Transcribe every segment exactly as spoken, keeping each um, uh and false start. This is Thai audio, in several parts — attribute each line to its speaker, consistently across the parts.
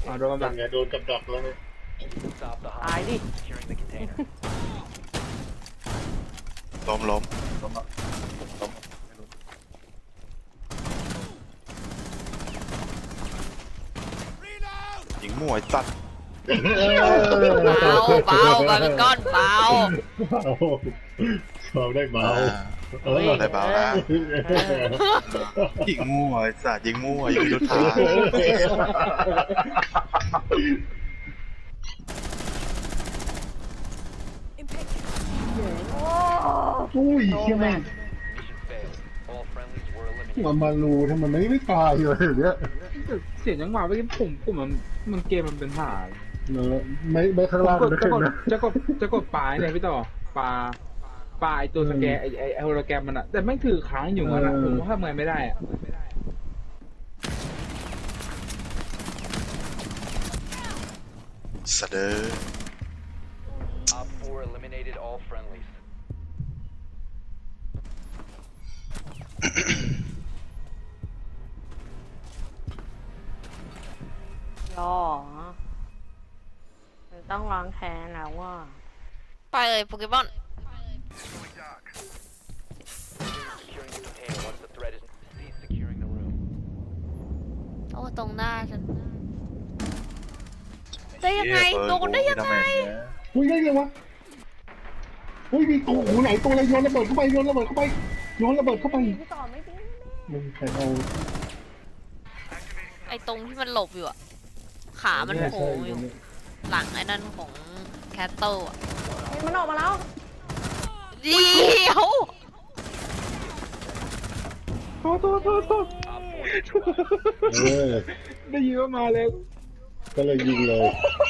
Speaker 1: อ๋อโดนกับดัก
Speaker 2: ไงโดนกับดักแล้ว
Speaker 3: ตายดิ
Speaker 4: ล้มล้มยิงมั่วไอ้สัตว์
Speaker 5: เบาเบามาเป็นก้อนเบา
Speaker 2: เบาเบาได้เบา
Speaker 4: อ่า
Speaker 2: เออ
Speaker 4: ได้เบานะยิงมั่วไอ้สัตว์ยิงมั่วยิงยุทธา
Speaker 2: อุ้ยเชี่ยแม่งมันมารูทำไมไม่ไม่ตายเลยเนี้ย
Speaker 1: เสียงจังหวะเมื่อกี้ผมผมมันมันเกมมันเป็นหา
Speaker 2: เนอะไม่ไม่ข้าง
Speaker 1: ผม
Speaker 2: ล่าง
Speaker 1: กด
Speaker 2: นะ
Speaker 1: จะกด
Speaker 2: นะ
Speaker 1: จะกดจะกดปลายเนี่ยพี่ต่อปลาปลาไอตัวสแกนไอไอไอโฮโลแกรมมันอะแต่ไม่ถือค้างอยู่มันอะผมว่าทำไงไม่ได้อะ
Speaker 4: สะเดอ
Speaker 6: Op four eliminated all friendlies.
Speaker 3: รอมันต้องล้างแค้นแล้วว่า
Speaker 5: ไปเลยโปเกมอน
Speaker 6: Securing the container once the threat is cease securing the room.
Speaker 5: โอ้ตรงหน้าฉันได้ยังไงโดนได้ยังไง
Speaker 2: อุ้ยได้ไงวะอุ้ยมีตัวหูไหนตัวอะไรโยนระเบิดเข้าไปโยนระเบิดเข้าไปโยนระเบิดเข้าไป
Speaker 3: พี่ต่อไม่ดี
Speaker 2: มึงใครเอา
Speaker 5: ไอตรงที่มันหลบอยู่อะขามันโผล่อยู่หลังไอ้นั่นของแคทเติลอะ
Speaker 3: เฮ้ยมันออกมาแล้ว
Speaker 5: เดียว
Speaker 1: โทษโทษโทษโทษ
Speaker 6: Op four neutralized.
Speaker 2: เออ
Speaker 1: ได้ยินว่ามาเลย
Speaker 2: ก็เลยยิงเลย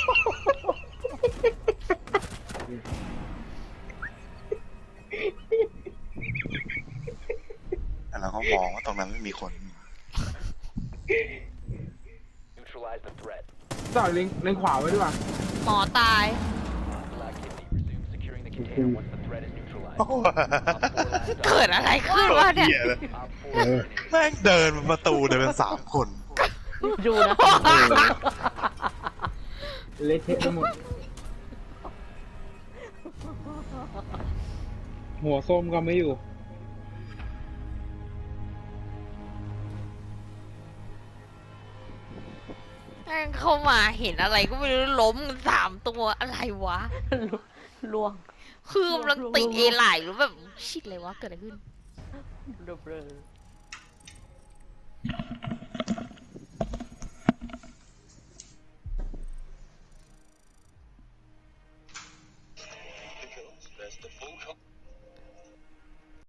Speaker 4: แล้วก็มองว่าตรงนั้นไม่มีคน
Speaker 6: Neutralize the threat.
Speaker 1: ต่อเล็งเล็งขวาไว้ดีกว่า
Speaker 5: หมอตาย
Speaker 6: Hostile activity. Resume securing the container once the threat is neutralized. Op four last
Speaker 5: เกิด
Speaker 6: stop.
Speaker 5: อะไรขึ้นวะเนี่ย
Speaker 4: เหี้ยเลย
Speaker 6: Op four
Speaker 2: เออ
Speaker 6: eliminated.
Speaker 4: แม่งเดินมาประตูเดินเป็นสามคน
Speaker 3: ดูนะ
Speaker 1: เละเทะไปหมดหัวส้มก็ไม่อยู่
Speaker 5: แม่งเข้ามาเห็นอะไรก็ไม่รู้ล้มกันสามตัวอะไรวะ
Speaker 3: ล่วง
Speaker 5: คือกำลังติดเอไหลหรือแบบชิดเลยวะเกิดอะไรขึ้น
Speaker 3: เบลอ